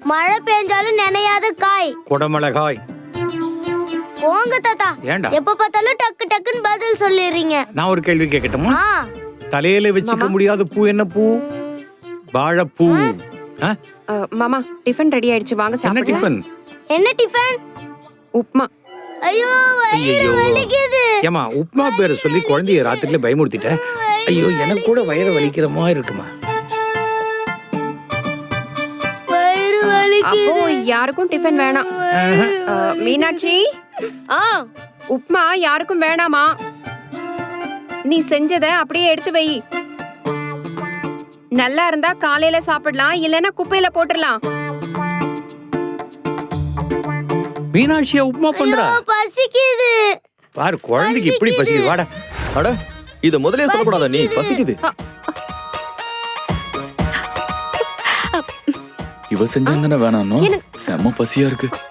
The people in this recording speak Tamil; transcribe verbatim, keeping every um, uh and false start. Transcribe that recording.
மழை பெஞ்சாலும் நனையாத காய். குடமிளகாய். போங்க தாத்தா. ஏண்டா எப்ப பார்த்தாலும் டக்கு டக்குன்னு பதில் சொல்லிடுறீங்க. நான் ஒரு கேள்வி கேட்கட்டுமா? ஆ. தலையில வச்சுக்க முடியாத பூ என்ன பூ? வாழைப்பூ. ஆ? அஹ், மாமா டிஃபன் ரெடி ஆயிடுச்சு, வாங்க என்ன சாப்பிடலாம். டிஃபன்? என்ன டிஃபன்? உப்மா. ஐயோ வயிறு ஐயோ. வலிக்குது. ஏமா உப்மா பேரை சொல்லி குழந்தைய ராத்திரில பயமுறுத்திட்ட. ஐயோ எனக்கு கூட வயிறு வலிக்கிற மாதிரி இருக்குமா? வயிறு வலிக்குது. அப்போ யாருக்கும் டிஃபன் வேணாம். அஹ், மீனாட்சி, ஆ உப்மா யாருக்கும் வேணாமா? நீ செஞ்சத அப்படியே எடுத்து வை. நல்லா இருந்தா காலையில சாப்பிடலாம், இல்லைன்னா குப்பையில போட்டுடலாம். மீனாட்சியா உப்மா பண்றா? ஐயோ, பசிக்குது. பாரு குழந்தைக்கு இப்படி பசிக்குது. வாடா. அட இத முதலே சொல்லக்கூடாதா? நீ பசிக்குது. இவ செஞ்சாதானே வேணாம். எனக்கு- செம்ம பசியா இருக்கு.